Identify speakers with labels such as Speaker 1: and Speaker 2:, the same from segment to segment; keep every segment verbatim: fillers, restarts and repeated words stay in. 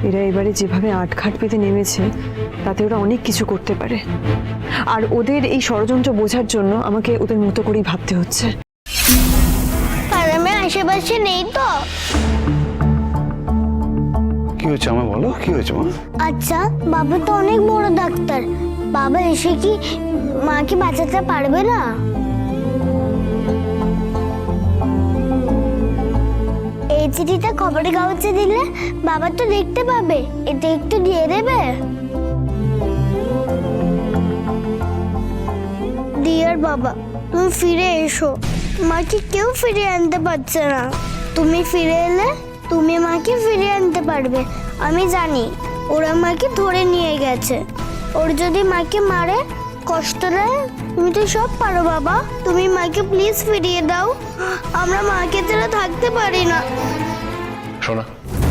Speaker 1: এরা এবারে যেভাবে আটঘাট পেতে নেমেছে তাতে ওরা অনেক কিছু করতে পারে, আর ওদের এই ষড়যন্ত্র বোঝার জন্য আমাকে ওদের মতো করেই ভাবতে হচ্ছে।
Speaker 2: পারামে আশেপাশে নেই তো?
Speaker 3: কি হয়েছে আমার বলো, কি হয়েছে মা?
Speaker 2: আচ্ছা, বাবা তো অনেক বড় ডাক্তার, বাবা এসে কি মাকে বাঁচাতে পারবে না? এই চিঠিটা খবরের কাগজে দিলে বাবা তো দেখতে পাবে, এটা একটু দিয়ে দেবে? ডিয়ার বাবা, তুমি ফিরে এসো, মাকে কেউ ফিরিয়ে আনতে পারছে না। তুমি ফিরে এলে তুমি মাকে ফিরিয়ে আনতে পারবে। আমি জানি ওরা মাকে ধরে নিয়ে গেছে, ওর যদি মাকে মারে কষ্ট দেয়, তুমি তো সব পারো বাবা। তুমি মাকে প্লিজ ফিরিয়ে দাও, আমরা মাকে ছাড়া থাকতে পারি না।
Speaker 3: শোনা,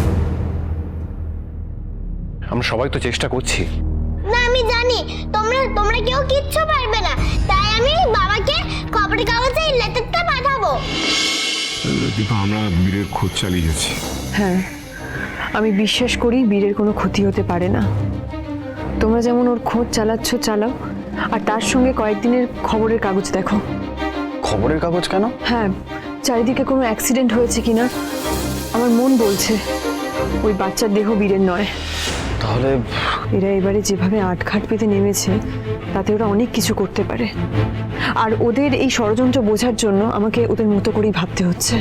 Speaker 3: আমরা সবাই তো চেষ্টা করছি।
Speaker 2: না আমি জানি তোমরা তোমরা কেউ কিচ্ছু পারবে না, তাই আমি বাবাকে খবরের কাগজে এই লেটারটা পাঠাবো।
Speaker 4: দীপা, আমরা বীরের খোঁজ চালিয়ে যাচ্ছি।
Speaker 1: হ্যাঁ, আমি বিশ্বাস করি বীরের কোনো ক্ষতি হতে পারে না। তোমরা যেমন ওর খোঁজ চালাচ্ছ চালাও, আর তার সঙ্গে কয়েকদিনের খবরের কাগজ দেখো।
Speaker 3: খবরের কাগজ কেন?
Speaker 1: হ্যাঁ, চারিদিকে কোনো অ্যাক্সিডেন্ট হয়েছে কিনা আমার মন বলছে ওই বাচ্চার দেহ বীরের নয়।
Speaker 3: তাহলে
Speaker 1: এরা এবারে যেভাবে আটঘাট পেতে নেমেছে তাতে ওরা অনেক কিছু করতে পারে, আর ওদের এই ষড়যন্ত্র বোঝার জন্য আমাকে ওদের মতো করেই ভাবতে হচ্ছে।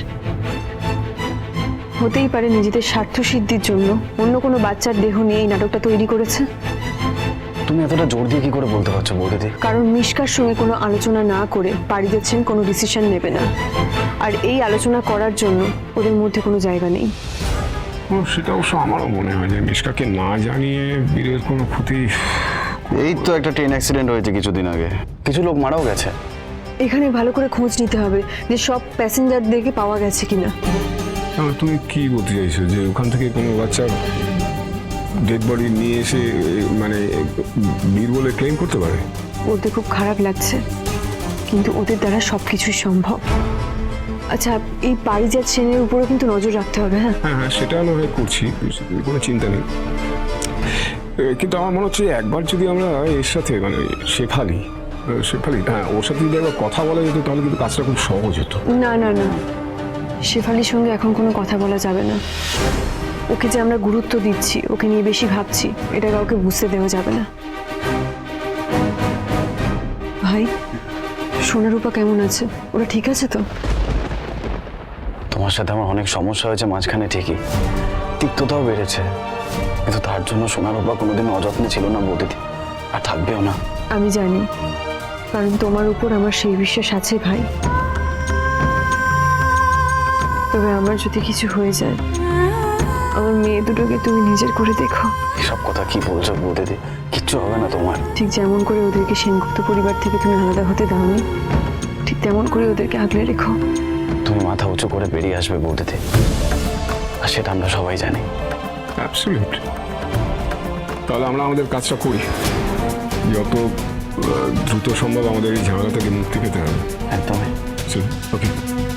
Speaker 1: হতেই পারে নিজেদের স্বার্থ সিদ্ধির জন্য অন্য কোনো বাচ্চার দেহ নিয়ে এই নাটকটা তৈরি করেছে।
Speaker 3: তুমি এতটা জোর দিয়ে কি করে বলতে পারছো বৌদিদি?
Speaker 1: কারণ মিশকার সঙ্গে কোনো আলোচনা না করে পাড়ি দিচ্ছেন কোনো ডিসিশন নেবে না, আর এই আলোচনা করার জন্য ওদের মধ্যে কোনো জায়গা নেই।
Speaker 4: ও, সেটা অবশ্য আমারও মনে হয় যে মিশকাকে না জানিয়ে বীরের কোনো ক্ষতি।
Speaker 3: এই তো একটা ট্রেন অ্যাক্সিডেন্ট হয়েছে কিছুদিন আগে, কিছু লোক মারাও গেছে।
Speaker 1: এখানে ভালো করে খোঁজ নিতে হবে যে সব প্যাসেঞ্জারদেরকে পাওয়া গেছে কিনা।
Speaker 4: তাহলে তুমি কি বলতে চাইছো যে ওখান থেকে কোনো বাচ্চার ডেড বডি নিয়ে এসে মানে বীর বলে ক্লেম করতে পারে?
Speaker 1: ওদের খুব খারাপ লাগছে, কিন্তু ওদের দ্বারা সব কিছুই সম্ভব। আচ্ছা, এই পারিজাত সেনের উপরও কিন্তু নজর রাখতে হবে। হ্যাঁ
Speaker 4: হ্যাঁ হ্যাঁ, সেটা নয় করছি, কোনো চিন্তা নেই। কিন্তু আমার মনে হচ্ছে একবার যদি আমরা এর সাথে মানে শেফালি শেফালি হ্যাঁ ওর সাথে যদি একবার কথা বলা যেত তাহলে কিন্তু কাজটা খুব সহজ হতো।
Speaker 1: না না না, শেফালির সঙ্গে এখন কোনো কথা বলা যাবে না। ওকে যে আমরা গুরুত্ব দিচ্ছি, ওকে নিয়ে বেশি ভাবছি, এটা কাউকে বুঝতে দেওয়া যাবে না। ভাই, সোনারূপা কেমন আছে? ওরা ঠিক আছে তো?
Speaker 3: তোমার সাথে আমার অনেক সমস্যা হয়েছে মাঝখানে ঠিকই, তিক্ততাও বেড়েছে, কিন্তু তার জন্য সোনারূপা কোনোদিন অযত্নে ছিল না বৌদিদি, আর থাকবেও না।
Speaker 1: আমি জানি, কারণ তোমার উপর আমার সেই বিশ্বাস আছে ভাই। তবে আমার যদি কিছু হয়ে যায়, আমার মেয়ে দুটোকে তুমি নিজের করে দেখো।
Speaker 3: এসব কথা কি বলছো বৌদিদি? কিচ্ছু হবে না তোমার।
Speaker 1: ঠিক যেমন করে ওদেরকে সেনগুপ্ত পরিবার থেকে তুমি আলাদা হতে দাওনি, ঠিক তেমন করে ওদেরকে আগলে রেখো।
Speaker 3: তুমি মাথা উঁচু করে বেরিয়ে আসবে বৌদিদি, আর সেটা আমরা সবাই জানি।
Speaker 4: অ্যাবসলিউট। তাহলে আমরা আমাদের কাজটা করি, যত দ্রুত সম্ভব আমাদের এই ঝামেলা থেকে মুক্তি পেতে হবে।
Speaker 3: একদমই।
Speaker 4: ওকে।